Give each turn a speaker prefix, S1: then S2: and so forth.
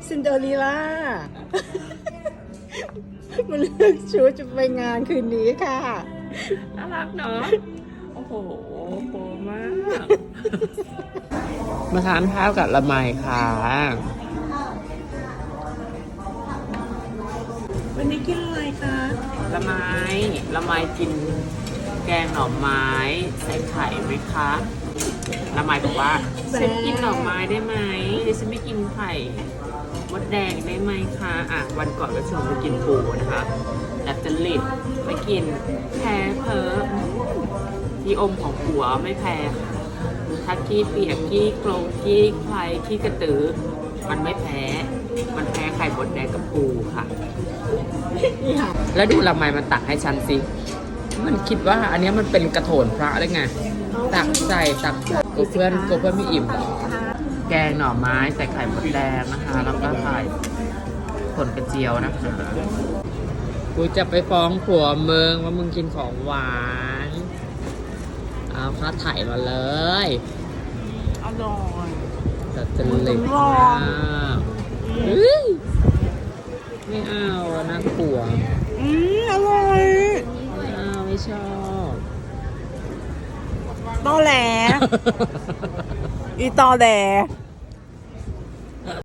S1: ซินเดอเรลล่ามาเลือกชุดจะไปงานคืนนี้ค่ะ
S2: น่ารักเนาะโอ้โหโปมาก มาทานข้าวกับละไมค่ะวันนี้กินอะไรคะละไมกินแกงหน่อไม้ใส่ไข่ไหมคะละไมบอกว่าฉันกินหน่อไม้ได้ไหมฉันไม่กินไข่มดแดงได้ไหมคะวันก่อนก็ชวนไปกินปูนะคะแต่จะหลิดไม่กินแพ้เพ้อที่อมของผัวไม่แพ้ค่ะถ้าขี้เปียกขี้โคลงขี้ใครขี้กระตือมันไม่แพ้มันแพ้ไข่มดแดงกับปูค่ะแล้วดูละไมมันตักให้ฉันสิมันคิดว่าอันนี้มันเป็นกระโถนพระได้ไงตักใส่ตักกูเพื่อนไม่อิ่มแกงหน่อไม้ใส่ไข่มดแดงนะคะแล้วก็ใส่ผลกระเจียวนะคะกูจะไปฟ้องผัวมึงว่ามึงกินของหวานเอาค่าถ่ายมาเลยอร่อยแต่จะเล็กมากไม่เอาน่ากลัว
S1: อร่อย
S2: ไม่ชอบ
S1: ตอแหล อีตอแหล